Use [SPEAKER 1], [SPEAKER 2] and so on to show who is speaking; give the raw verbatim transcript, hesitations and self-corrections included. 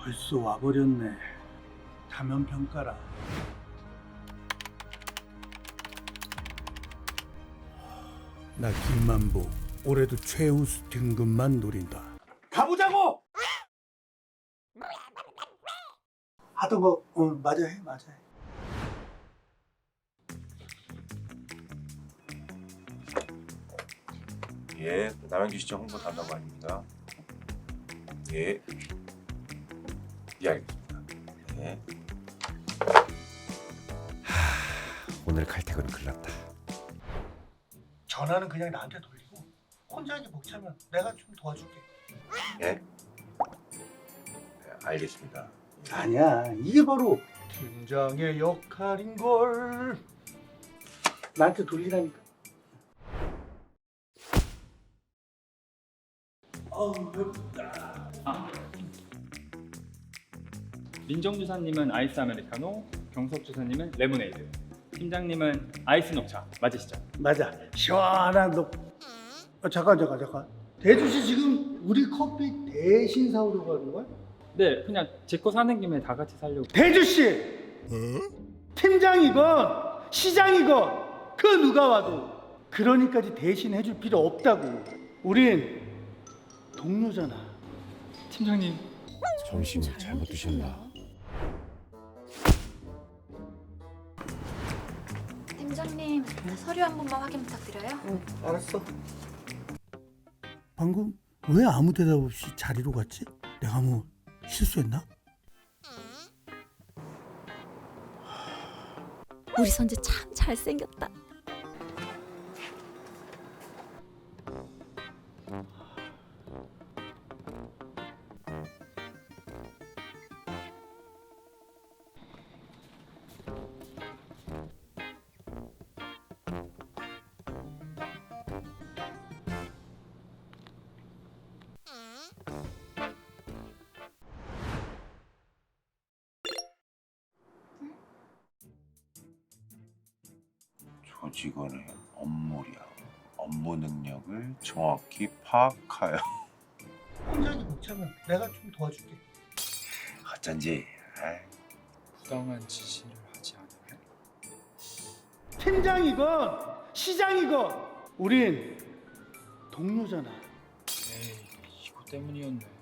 [SPEAKER 1] 벌써 와버렸네. 다면 평가라. 나 김만보 올해도 최우수 등급만 노린다. 가보자고! 하던 거 어, 맞아 해 맞아 해.
[SPEAKER 2] 예, 남양주 시청 홍보 담당관입니다. 예, 예 알겠습니다. 예. 하, 오늘 칼퇴근은 큰일났다.
[SPEAKER 1] 전화는 그냥 나한테 돌리고 혼자 하기 벅차면 내가 좀 도와줄게.
[SPEAKER 2] 예, 네, 알겠습니다.
[SPEAKER 1] 아니야, 이게 바로 팀장의 역할인걸. 나한테 돌리라니까. 어우 배고프다.
[SPEAKER 3] 민정주사님은 아이스 아메리카노, 경석주사님은 레모네이드, 팀장님은 아이스 녹차 맞으시죠?
[SPEAKER 1] 맞아, 시원한 녹. 어, 잠깐 잠깐 잠깐. 대주씨 지금 우리 커피 대신 사오려고 하는 거야?
[SPEAKER 3] 네, 그냥 제 거 사는 김에 다 같이 살려고.
[SPEAKER 1] 대주씨! 팀장이건 시장이건 그 누가 와도 그러니까지 대신 해줄 필요 없다고. 우린 동료잖아.
[SPEAKER 3] 팀장님,
[SPEAKER 2] 점심을 잘못 드셨나?
[SPEAKER 4] 팀장님, 서류 한 번만 확인 부탁드려요.
[SPEAKER 1] 응, 알았어. 방금 왜 아무 대답 없이 자리로 갔지? 내가 뭐 실수했나?
[SPEAKER 4] 우리 선재 참 잘생겼다.
[SPEAKER 2] 조직원의 업무량, 업무 능력을 정확히 파악하여.
[SPEAKER 1] 혼자 하기 벅차면 내가 좀 도와줄게.
[SPEAKER 2] 어쩐지. 아이.
[SPEAKER 3] 부당한 지시를 하지 않으면
[SPEAKER 1] 팀장이건 시장이건 우린 동료잖아.
[SPEAKER 3] 에이, 이거 때문이었네.